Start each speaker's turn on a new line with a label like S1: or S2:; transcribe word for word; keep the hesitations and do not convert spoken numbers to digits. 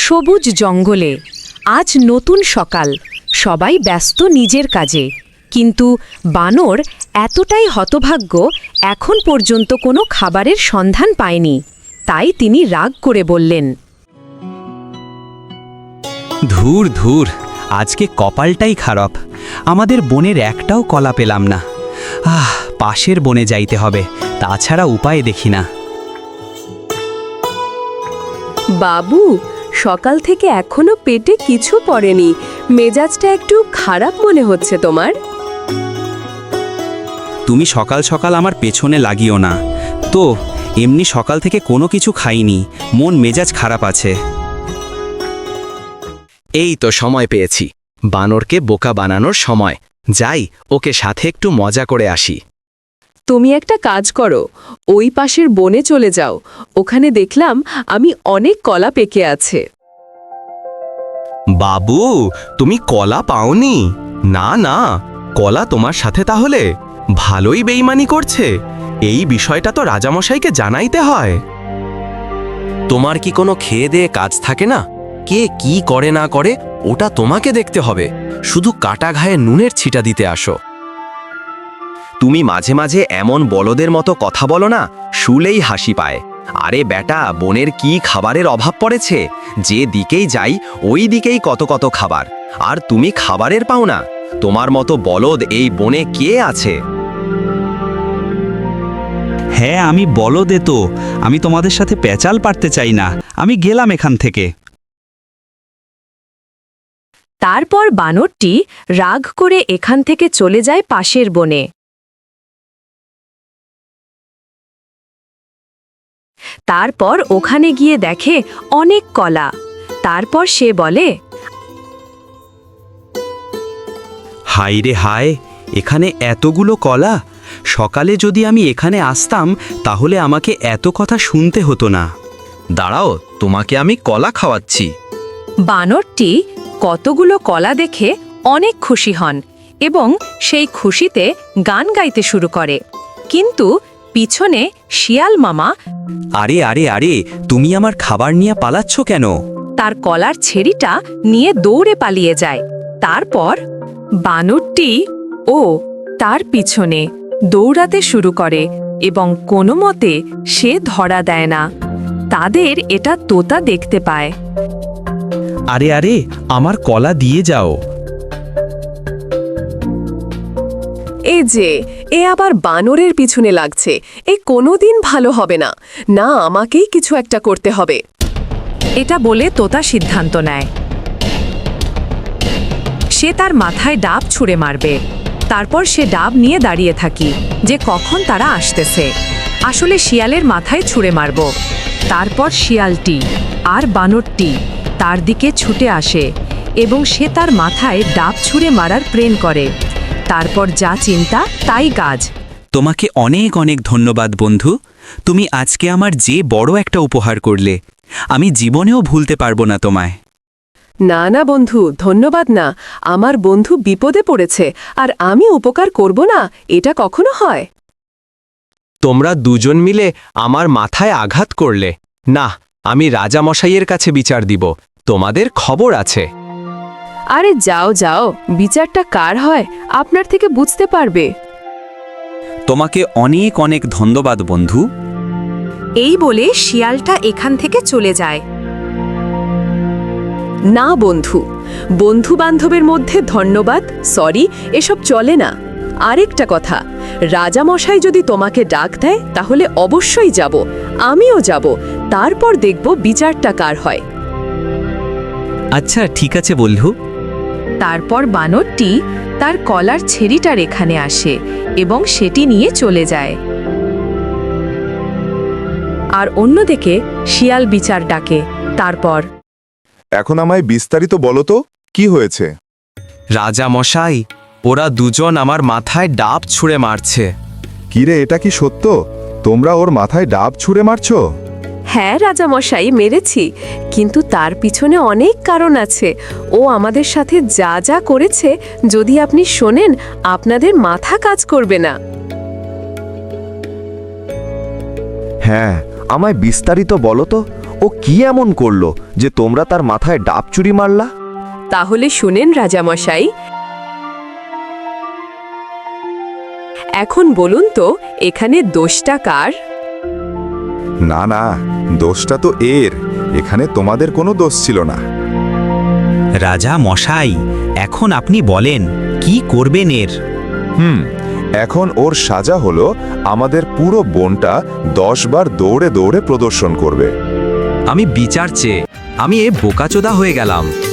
S1: সবুজ জঙ্গলে আজ নতুন সকাল, সবাই ব্যস্ত নিজের কাজে। কিন্তু বানর এতটাই হতভাগ্য, এখন পর্যন্ত কোনো খাবারের সন্ধান পায়নি। তাই তিনি রাগ করে বললেন,
S2: ধুর ধুর, আজকে কপালটাই খারাপ। আমাদের বনের একটাও কলা পেলাম না। আহ পাশের বনে যাইতে হবে, তাছাড়া উপায় দেখি না।
S3: বাবু, সকাল থেকে এখনো পেটে কিছু পড়েনি, মেজাজটা একটু খারাপ মনে হচ্ছে তোমার।
S2: তুমি সকাল সকাল আমার পেছনে লাগিও না তো। এমনি সকাল থেকে কোনো কিছু খাইনি, মন মেজাজ খারাপ আছে। এই তো সময় পেয়েছি, বানরকে বোকা বানানোর সময়। যাই, ওকে সাথে একটু মজা করে আসি।
S3: তুমি একটা কাজ করো, ওই পাশের বনে চলে যাও। ওখানে দেখলাম আমি অনেক কলা পেকে আছে।
S4: বাবু, তুমি কলা পাওনি? না না, কলা তোমার সাথে তাহলে ভালোই বেইমানি করছে। এই বিষয়টা তো রাজামশাইকে জানাইতে হয়। তোমার কি কোনো খেয়ে দেয়ে কাজ থাকে না? কে কি করে না করে ওটা তোমাকে দেখতে হবে, শুধু কাটা ঘায়ে নুনের ছিটা দিতে আসো। তুমি মাঝে মাঝে এমন বলদের মতো কথা বলো না, শুলেই হাসি পায়। আরে বেটা, বনের কি খাবারের অভাব পড়েছে? যে দিকেই যাই ওই দিকেই কত কত খাবার, আর তুমি খাবারের পাও না। তোমার মতো বলদ এই বনে কে আছে?
S2: হ্যাঁ, আমি বলদে তো। আমি তোমাদের সাথে পেঁচাল পারতে চাই না। আমি গেলাম এখান থেকে।
S1: তারপর বানরটি রাগ করে এখান থেকে চলে যায় পাশের বনে। তারপর ওখানে গিয়ে দেখে অনেক কলা। তারপর সে বলে,
S2: হায় রে হায়, এখানে এতগুলো কলা! সকালে যদি আমি এখানে আসতাম তাহলে আমাকে এত কথা শুনতে হতো না।
S4: দাঁড়াও, তোমাকে আমি কলা খাওয়াচ্ছি।
S1: বানরটি কতগুলো কলা দেখে অনেক খুশি হন এবং সেই খুশিতে গান গাইতে শুরু করে। কিন্তু পিছনে শিয়াল মামা
S2: আরে আরে আরে, তুমি আমার খাবার নিয়ে পালাচ্ছ কেন?
S1: তার কলার ছেড়িটা নিয়ে দৌড়ে পালিয়ে যায়। তারপর বানরটি ও তার পিছনে দৌড়াতে শুরু করে এবং কোনো মতে সে ধরা দেয় না। তাদের এটা তোতা দেখতে পায়।
S2: আরে আরে, আমার কলা দিয়ে যাও।
S3: এই যে, এ আবার বানরের পিছনে লাগছে। এ কোনোদিন ভালো হবে না। না, আমাকেই কিছু একটা করতে হবে।
S1: এটা বলে তোতা সিদ্ধান্ত নেয় সে তার মাথায় ডাব ছুঁড়ে মারবে। তারপর সে ডাব নিয়ে দাঁড়িয়ে থাকি যে কখন তারা আসতেছে। আসলে শিয়ালের মাথায় ছুঁড়ে মারব। তারপর শিয়ালটি আর বানরটি তার দিকে ছুটে আসে এবং সে তার মাথায় ডাব ছুঁড়ে মারার প্রেরণ করে। তারপর যা চিন্তা তাই কাজ।
S2: তোমাকে অনেক অনেক ধন্যবাদ বন্ধু। তুমি আজকে আমার যে বড় একটা উপহার করলে, আমি জীবনেও ভুলতে পারবো না তোমায়।
S3: না না বন্ধু, ধন্যবাদ না। আমার বন্ধু বিপদে পড়েছে আর আমি উপকার করব না, এটা কখনো হয়?
S4: তোমরা দুজন মিলে আমার মাথায় আঘাত করলে। না, আমি রাজামশাইয়ের কাছে বিচার দিব। তোমাদের খবর আছে।
S3: আরে যাও যাও, বিচারটা কার হয় আপনার থেকে বুঝতে পারবে।
S2: তোমাকে অনেক অনেক ধন্যবাদ বন্ধু।
S1: এই বলে শিয়ালটা এখান থেকে চলে যায়।
S3: না বন্ধু, বন্ধু বান্ধবের মধ্যে ধন্যবাদ সরি এসব চলে না। আরেকটা কথা, রাজামশাই যদি তোমাকে ডাক দেয় তাহলে অবশ্যই যাব, আমিও যাব। তারপর দেখব বিচারটা কার হয়।
S2: আচ্ছা ঠিক আছে বন্ধু।
S1: তারপর বানরটি তার কলার ছেড়িটার এখানে আসে এবং সেটি নিয়ে চলে যায়। আর অন্যদিকে শিয়াল বিচার ডাকে। তারপর,
S5: এখন আমায় বিস্তারিত বলো তো, কি হয়েছে?
S4: রাজামশাই, ওরা দুজন আমার মাথায় ডাব ছুঁড়ে মারছে।
S5: কিরে, এটা কি সত্য? তোমরা ওর মাথায় ডাব ছুঁড়ে মারছো?
S3: হ্যাঁ রাজামশাই, মেরেছি, কিন্তু তার পিছনে অনেক কারণ আছে। ও আমাদের সাথে যা যা করেছে, যদি আপনি শোনেন আপনাদের মাথা কাজ করবে না।
S6: হ্যাঁ, আমায় বিস্তারিত বলো তো। ও কি এমন করলো যে তোমরা তার মাথায় ডাব চুরি মারলা?
S3: তাহলে শুনেন রাজামশাই, এখন বলুন তো এখানে দোষটা কার?
S5: না না, দোষটা তো এর। এখানে তোমাদের কোনো দোষ ছিল না।
S2: রাজা মশাই, এখন আপনি বলেন কি করবেন এর?
S5: হুম এখন ওর সাজা হলো আমাদের পুরো বনটা দশ বার দৌড়ে দৌড়ে প্রদর্শন করবে।
S2: আমি বিচার চেয়ে আমি এ বোকাচোদা হয়ে গেলাম।